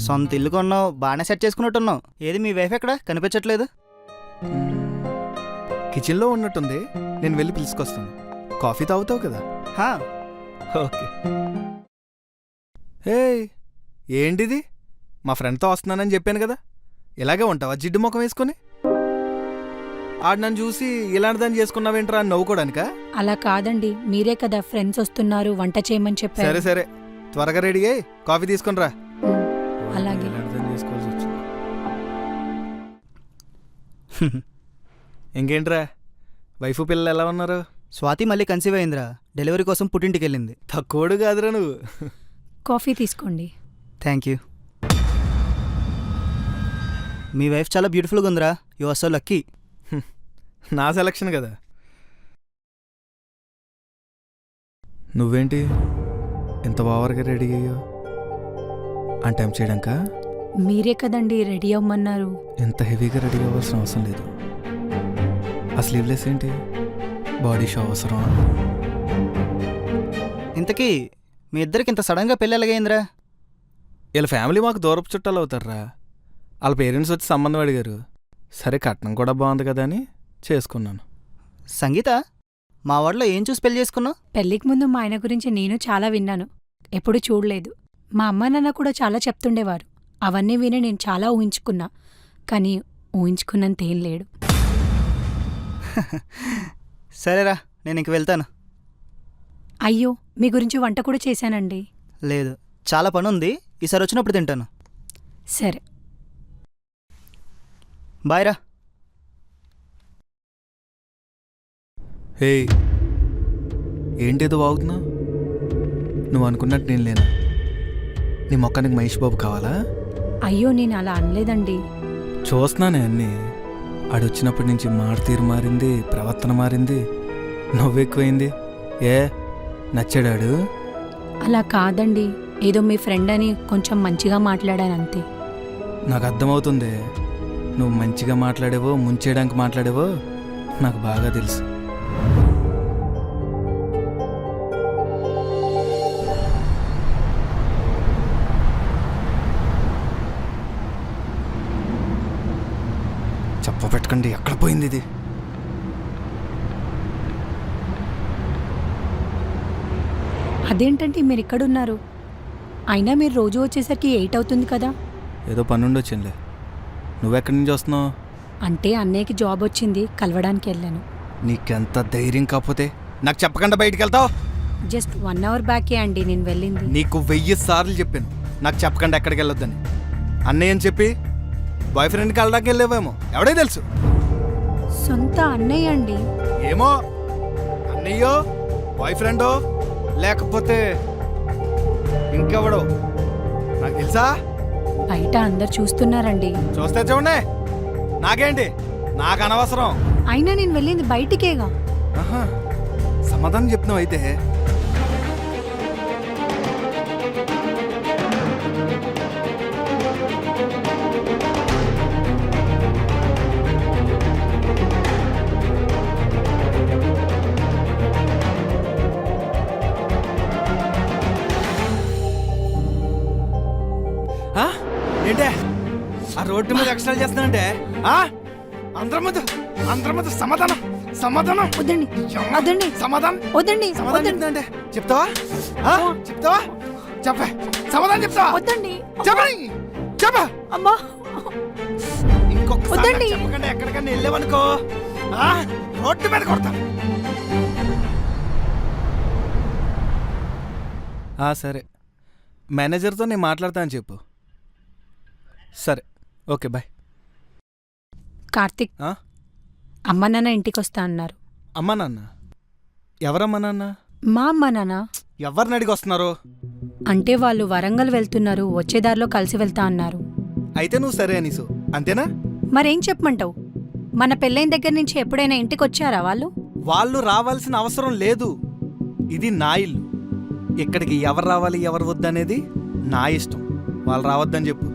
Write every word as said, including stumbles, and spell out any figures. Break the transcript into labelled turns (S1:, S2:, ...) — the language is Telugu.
S1: సొంత ఇల్లు కొన్నావు, బాగానే సెట్ చేసుకున్నట్టున్నావు. ఏది మీ వైఫ్ ఎక్కడ కనిపించట్లేదు?
S2: కిచెన్లో ఉన్నట్టుంది, నేను వెళ్ళి పిలుచుకొస్తాను. కాఫీ తాగుతావు కదా?
S1: హా,
S2: ఓకే. ఏ ఏంటిది? మా ఫ్రెండ్తో వస్తున్నానని చెప్పాను కదా, ఇలాగే ఉంటావా జిడ్డు ముఖం వేసుకొని? ఆడు నన్ను చూసి ఇలాంటిదని చేసుకున్నావేంట్రా అని నవ్వుకోడానికా?
S3: అలా కాదండి, మీరే కదా ఫ్రెండ్స్ వస్తున్నారు వంట చేయమని చెప్పారు.
S2: సరే సరే, త్వరగా రెడీ అయ్యి కాఫీ తీసుకుని రా.
S3: ఉమ్, అలాగే.
S2: ఇలాంటిదని చేసుకోవాల్సి వచ్చింది. ఇంకేంట్రా, వైఫ్ పిల్లలు ఎలా ఉన్నారు?
S1: స్వాతి మళ్ళీ కన్సీవ్ అయిందిరా, డెలివరీ కోసం పుట్టింటికి వెళ్ళింది.
S2: తక్కువడు కాదురా నువ్వు.
S3: కాఫీ తీసుకోండి.
S1: Thank you. మీ వైఫ్ చాలా బ్యూటిఫుల్గా ఉందిరా, యు ఆర్ సో లక్కీ.
S2: నా సెలక్షన్ కదా. నువ్వేంటి ఎంత ఓవర్గా రెడీ అయ్యో? అంటే టైం చేయడాక?
S3: మీరే కదండి రెడీ అవ్వమన్నారు.
S2: ఎంత హెవీగా రెడీ అవ్వాల్సిన అవసరం లేదు. ఆ స్లీవ్లెస్ ఏంటి? బాడీ షో అవసరం?
S1: ఇంతకీ మీ ఇద్దరికి ఇంత సడన్గా పెళ్ళి ఎలాగైందిరా?
S2: వీళ్ళ ఫ్యామిలీ మాకు దూరపు చుట్టాలు అవుతారా. వాళ్ళ పేరెంట్స్ వచ్చి సంబంధం అడిగారు. సరే కట్నం కూడా బాగుంది కదా అని చేసుకున్నాను.
S1: సంగీత, మా వాడిలో ఏం చూసి పెళ్లి చేసుకున్నావు?
S3: పెళ్లికి ముందు మా ఆయన గురించి నేను చాలా విన్నాను, ఎప్పుడూ చూడలేదు. మా అమ్మ నాన్న కూడా చాలా చెప్తుండేవారు. అవన్నీ విని నేను చాలా ఊహించుకున్నా, కానీ ఊహించుకున్నంత ఏం లేడు.
S1: సరేరా, నేను ఇంక వెళ్తాను.
S3: అయ్యో, మీ గురించి వంట కూడా చేశానండి.
S1: లేదు, చాలా పని ఉంది, ఈసారి వచ్చినప్పుడు తింటాను.
S3: సరే,
S1: బాయ్ రా.
S2: హే, ఏంటేదో వాగుతున్నా? నువ్వు అనుకున్నట్టు నేను లేనా? నీ మొక్కానికి మహేష్ బాబు కావాలా?
S3: అయ్యో నేను అలా అనలేదండి.
S2: చూస్తున్నానే అన్నీ. ఆడొచ్చినప్పటి నుంచి మాట తీరు మారింది, ప్రవర్తన మారింది, నవ్వెక్కువైంది. ఏ నచ్చాడాడు?
S3: అలా కాదండి, ఏదో మీ ఫ్రెండ్ అని కొంచెం మంచిగా మాట్లాడానంతే.
S2: నాకు అర్థమవుతుంది. నువ్వు మంచిగా మాట్లాడేవో ముంచేయడానికి మాట్లాడేవో నాకు బాగా తెలుసు. చెప్ప పెట్టకండి, ఎక్కడ పోయింది ఇది?
S3: అదేంటంటే మీరు ఇక్కడున్నారు, అయినా మీరు రోజు వచ్చేసరికి ఎయిట్ అవుతుంది కదా.
S2: ఏదో పనుండి వచ్చిందిలే. నువ్వెక్కడి నుంచి వస్తున్నావు?
S3: అంటే అన్నయ్యకి జాబ్ వచ్చింది, కలవడానికి వెళ్ళాను.
S2: నీకెంత ధైర్యం కాకపోతే నాకు చెప్పకుండా బయటికి వెళ్తావు?
S3: జస్ట్ వన్ అవర్ బ్యాకే అండి నేను వెళ్ళింది.
S2: నీకు వెయ్యి సార్లు చెప్పాను నాకు చెప్పకుండా ఎక్కడికి వెళ్ళొద్దని. అన్నయ్య అని చెప్పి బాయ్ ఫ్రెండ్కి వెళ్ళడానికి వెళ్ళేవేమో, ఎవడే తెలుసు?
S3: సొంత అన్నయ్య అండి.
S2: ఏమో, అన్నయ్యో బాయ్ ఫ్రెండో లేకపోతే ఇంకెవడో నాకు తెలుసా?
S3: బయట అందరు చూస్తున్నారండి.
S2: చూస్తే చూడండి, నాకేంటి, నాకు అనవసరం.
S3: అయినా నేను వెళ్ళింది బయటికేగా.
S2: ఆహా, సమాధానం చెప్తున్నావు అయితే. ఏంటే ఆ రోడ్డు మీద ఎక్స్ట్రా చేస్తున్నానంటే? అందరి ముందు అందరి ముందు సమాధానం సమాధానం
S3: వద్దండి వద్దండి
S2: సమాధానం
S3: వద్దండి
S2: సమాధానం చెప్తానంటే చెప్తావా? చెప్తావా? చెప్పే, సమాధానం చెప్తావా?
S3: వద్దండి
S2: చెప్పని చెప్ప.
S3: అమ్మా
S2: ఇంకొకసారి
S3: వద్దండి.
S2: చెప్పకుండా ఎక్కడికన్నా వెళ్ళావనుకో రోడ్డు మీద కొడతా. సరే, మేనేజర్తో నేను మాట్లాడతాను చెప్పు. సరే, ఓకే, బాయ్.
S3: కార్తిక్, అమ్మ నాన్న ఇంటికి వస్తా అన్నారు.
S2: అమ్మా నాన్న? ఎవరమ్మా నాన్న?
S3: మా అమ్మ నాన్న.
S2: ఎవరిని అడిగి వస్తున్నారు?
S3: అంటే వాళ్ళు వరంగల్ వెళ్తున్నారు, వచ్చేదారిలో కలిసి వెళ్తా అన్నారు.
S2: అయితే నువ్వు సరే అనీసు, అంతేనా?
S3: మరేం చెప్పమంటావు? మన పెళ్ళైన దగ్గర నుంచి ఎప్పుడైనా ఇంటికి వచ్చారా వాళ్ళు?
S2: వాళ్ళు రావాల్సిన అవసరం లేదు. ఇది నా ఇల్లు. ఇక్కడికి ఎవరు రావాలి ఎవరు వద్దనేది నా ఇష్టం. వాళ్ళు రావద్దని చెప్పు.